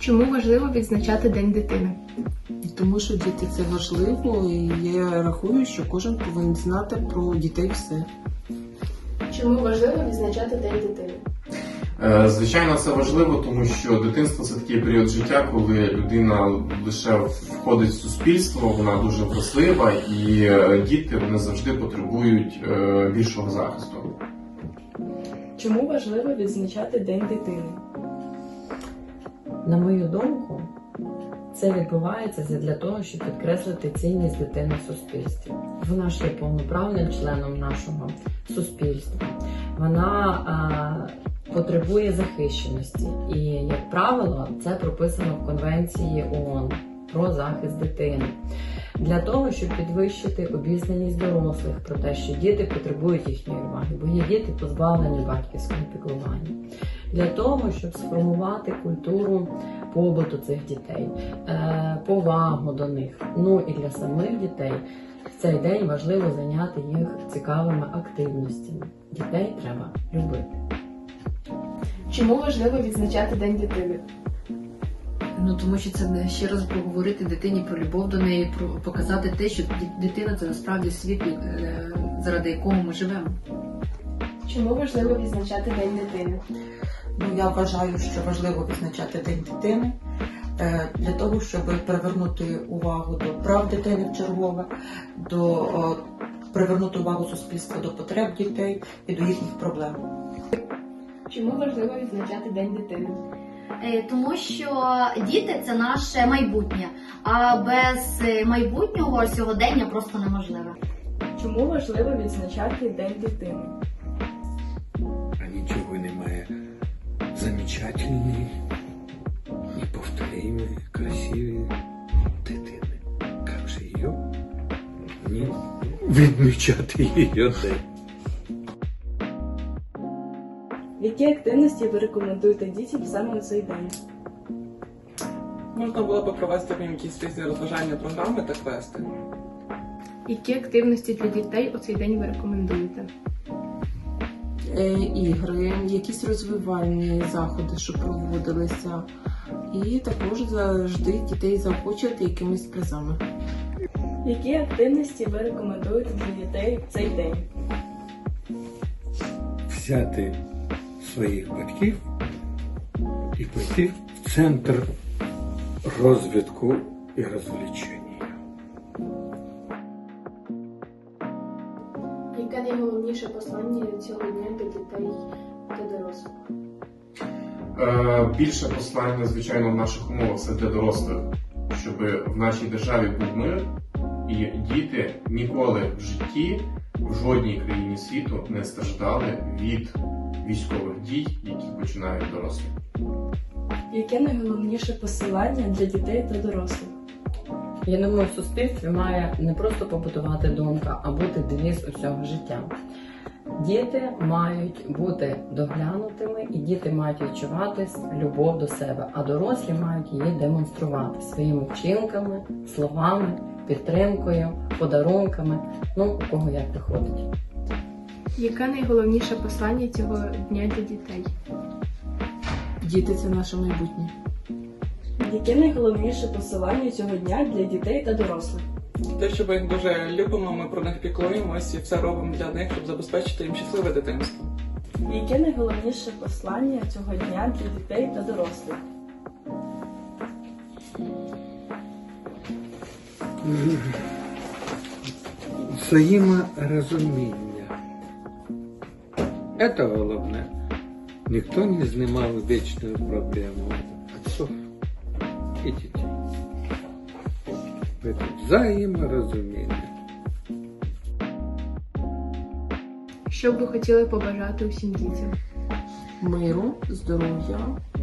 Чому важливо відзначати День дитини? Тому що діти це важливо, і я рахую, що кожен повинен знати про дітей все. Чому важливо відзначати День дитини? Звичайно, це важливо, тому що дитинство – це такий період життя, коли людина лише входить в суспільство, вона дуже врослива, і діти вони завжди потребують більшого захисту. Чому важливо відзначати День дитини? На мою думку, це відбувається для того, щоб підкреслити цінність дитини в суспільстві. Вона ж є повноправним членом нашого суспільства. Вона потребує захищеності. І, як правило, це прописано в Конвенції ООН про захист дитини. Для того, щоб підвищити обізнаність дорослих про те, що діти потребують їхньої уваги, бо є діти позбавлені батьківського піклування. Для того, щоб сформувати культуру побуту цих дітей, повагу до них. Ну і для самих дітей в цей день важливо зайняти їх цікавими активностями. Дітей треба любити. Чому важливо відзначати День дитини? Тому що це ще раз поговорити дитині про любов до неї, показати те, що дитина – це насправді світ, заради якого ми живемо. Чому важливо відзначати День дитини? Я вважаю, що важливо відзначати День дитини для того, щоб привернути увагу до прав дитини вчергове, привернути увагу суспільства до потреб дітей і до їхніх проблем. Чому важливо відзначати День дитини? Тому що діти – це наше майбутнє, а без майбутнього сьогодення просто неможливе. Чому важливо відзначати День дитини? А ничего немає замечательной, неповторимой, красивой дитини. Как же ее не відмічати її день? Які активності ви рекомендуєте дітям саме на цей день? Можна було б провести в якісь різні розважальні програми та квести. Які активності для дітей у цей день ви рекомендуєте? Ігри, якісь розвивальні заходи, що проводилися. І також завжди дітей заохочувати якимись призами. Які активності ви рекомендуєте для дітей в цей день? Взяти своїх батьків і пойти в центр розвитку і розвлечення. Яке найголовніше послання цього дня для дітей та дорослих? Більше послання, звичайно, в наших умовах це для дорослих, щоб в нашій державі був мир, і діти ніколи в житті в жодній країні світу не страждали від військових дій, які починають дорослі. Яке найголовніше посилання для дітей та дорослих? Я думаю, в суспільстві має не просто побутувати думка, а бути девіз усього життя. Діти мають бути доглянутими, і діти мають відчувати любов до себе, а дорослі мають її демонструвати своїми вчинками, словами, підтримкою, подарунками, у кого як виходить. Яке найголовніше послання цього дня для дітей? Діти – це наше майбутнє. Яке найголовніше посилання цього дня для дітей та дорослих? Те, що ми їх дуже любимо, ми про них піклуємось і все робимо для них, щоб забезпечити їм щасливе дитинство. Яке найголовніше послання цього дня для дітей та дорослих? Взаєморозуміння. Це головне. Ніхто не знімав вічну проблему отцов і дітей. Це взаєморозуміння. Що б ви хотіли побажати усім дітям? Миру, здоров'я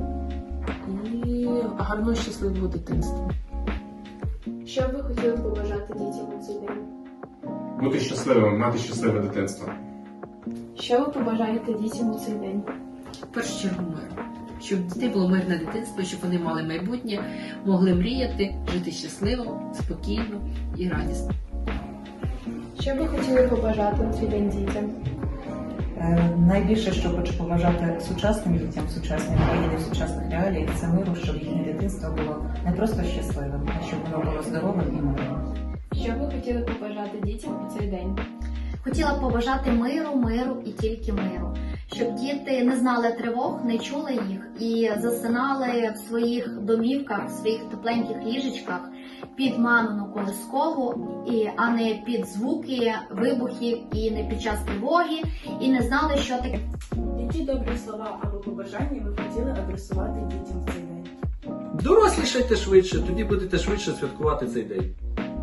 і гарного щасливого дитинства. Що б ви хотіли побажати дітям у цей день? Бути щасливим, мати щасливе дитинство. Що ви побажаєте дітям у цей день? В першу чергу мир. Щоб в дітей було мирне дитинство, щоб вони мали майбутнє, могли мріяти, жити щасливо, спокійно і радісно. Що б ви хотіли побажати у цей день дітям? Найбільше, що хочу побажати сучасним дітям, сучасній країні, сучасних реаліях, це миру, щоб їхнє дитинство було не просто щасливим, а щоб воно було здоровим і мирним. Що ви хотіли побажати дітям у цей день? Хотіла б побажати миру і тільки миру. Щоб діти не знали тривог, не чули їх і засинали в своїх домівках, в своїх тепленьких ліжечках під мамину колискову, а не під звуки вибухів і не під час тривоги, і не знали, що таке. Які добрі слова або побажання ви хотіли адресувати дітям в цей день? Дорослішайте швидше, тоді будете швидше святкувати цей день.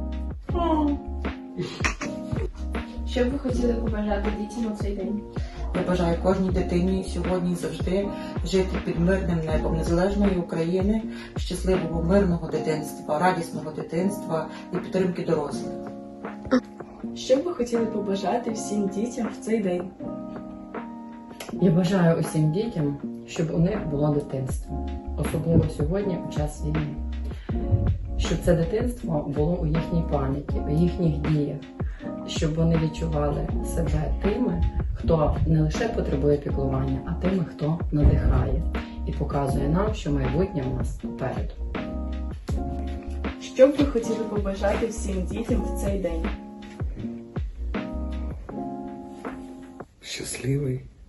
Що б ви хотіли побажати дітям у цей день? Я бажаю кожній дитині сьогодні і завжди жити під мирним небом незалежної України, щасливого мирного дитинства, радісного дитинства і підтримки дорослих. Що б ви хотіли побажати всім дітям в цей день? Я бажаю усім дітям, щоб у них було дитинство, особливо сьогодні, у час війни. Щоб це дитинство було у їхній пам'яті, у їхніх діях, щоб вони відчували себе тими, хто не лише потребує піклування, а тими, хто надихає і показує нам, що майбутнє у нас попереду. Що б ви хотіли побажати всім дітям в цей день? Щасливий,